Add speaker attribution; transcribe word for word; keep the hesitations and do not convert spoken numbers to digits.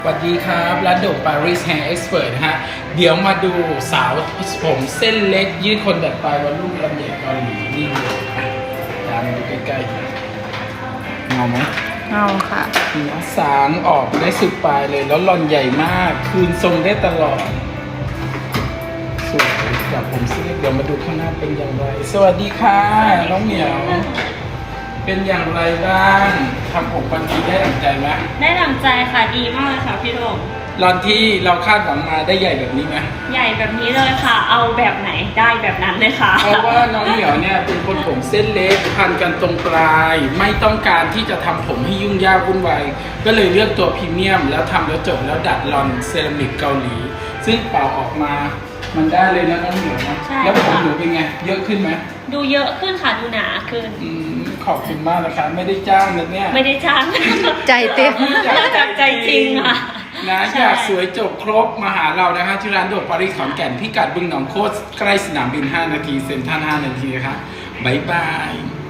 Speaker 1: สวัสดีครับร้านโดปารีสแฮร์เอ็กซ์เพรสฮะเดี๋ยวมาดูสาวผมเส้นเล็กยืดคนแบบปลายวันลูกลำใหญ่เกาหลีนี่เลยอ่ะตามมาดูใกล้ๆเงาไหม
Speaker 2: เอาค่ะ
Speaker 1: เนื้อสางออกได้สุดปลายเลยแล้วหล่อนใหญ่มากคืนทรงได้ตลอดสวยจากผมเส้นเล็กเดี๋ยวมาดูข้างหน้าเป็นอย่างไรสวัสดีค่ะน้องเหมียวเป็นอย่างไรบ้างทำผมวันนี้ได้ดั่งใจไหม
Speaker 2: ได้ดังใจค่ะดีมากเลยค่ะพี่โดม
Speaker 1: หล่อนที่เราคาดหวังมาได้ใหญ่แบบนี้ไหม
Speaker 2: ใหญ่แบบนี้เลยค่ะ เอาแบบไหนได้แบบนั้นเลยค่ะ
Speaker 1: เพราะว่าน้องเหมียวเนี่ยเป็นคนผมเส้นเล็กพันกันตรงปลาย ไม่ต้องการที่จะทำผมให้ยุ่งยากวุ่นวายก็เลยเลือกตัวพรีเมียมแล้วทำแล้วจบแล้วดัดลอนเซรามิกเกาหลี ซึ่งเป่าออกมามันได้เลยนะน้องเหมียวนะ
Speaker 2: ใช่
Speaker 1: แล้วผม
Speaker 2: ค่ะ
Speaker 1: หนูเป็นไงเยอะขึ้นไหม
Speaker 2: ดูเยอะขึ้นค่ะดูหนาขึ้น
Speaker 1: อืมขอบคุณมากนะคะไม่ได้จ้างนะเนี่ย
Speaker 2: ไม่ได้จ้าง
Speaker 3: ใจเต้น
Speaker 2: จากใจจริงค่ะ
Speaker 1: นะ
Speaker 2: ใช่
Speaker 1: อยากสวยจบครบมาหาเรานะคะที่ร้านโดดปารีสขอนแก่นพิกัดบึงหนองโคตรใกล้สนามบินห้านาทีเซ็นทรัลห้านาทีนะคะบ๊ายบาย